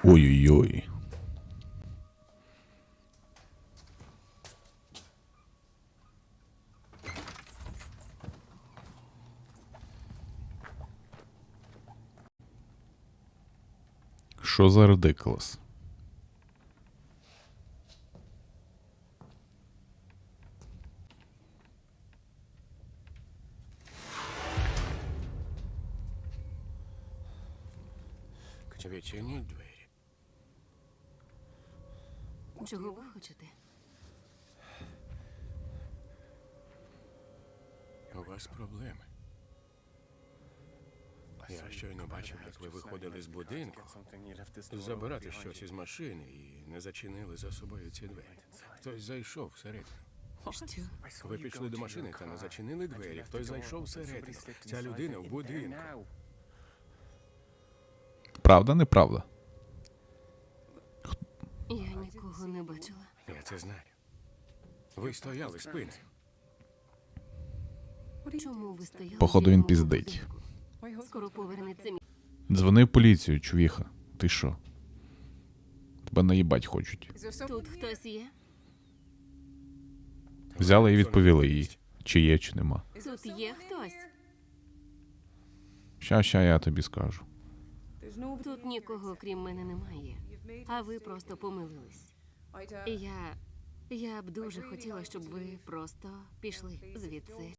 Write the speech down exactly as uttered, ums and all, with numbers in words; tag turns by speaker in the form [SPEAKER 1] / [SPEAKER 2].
[SPEAKER 1] Ой-ой-ой. Що за редикулес?
[SPEAKER 2] Відчиніть двері.
[SPEAKER 3] Чого ви хочете?
[SPEAKER 2] У вас проблеми. Я щойно бачив, як ви виходили з будинку, забирати щось із машини і не зачинили за собою ці двері. Хтось зайшов всередину.
[SPEAKER 3] Що?
[SPEAKER 2] Ви пішли до машини та не зачинили двері. Хтось зайшов всередину. Ця людина в будинку.
[SPEAKER 1] Правда, неправда?
[SPEAKER 3] Я нікого не бачила.
[SPEAKER 2] Я це знаю. Ви стояли спиною.
[SPEAKER 3] Чому ви стояли?
[SPEAKER 1] Походу,
[SPEAKER 3] біля
[SPEAKER 1] він
[SPEAKER 3] мого
[SPEAKER 1] піздить.
[SPEAKER 3] будинку? Скоро повернеться мій.
[SPEAKER 1] Дзвони в поліцію, чувіха. Ти що? Тебе наїбать хочуть.
[SPEAKER 3] Тут хтось є?
[SPEAKER 1] Взяли і відповіли їй. Чи є, чи нема.
[SPEAKER 3] Тут є хтось?
[SPEAKER 1] Ща, ща я тобі скажу.
[SPEAKER 3] Тут нікого, крім мене, немає. А ви просто помилились. І я... Я б дуже хотіла, щоб ви просто пішли звідси.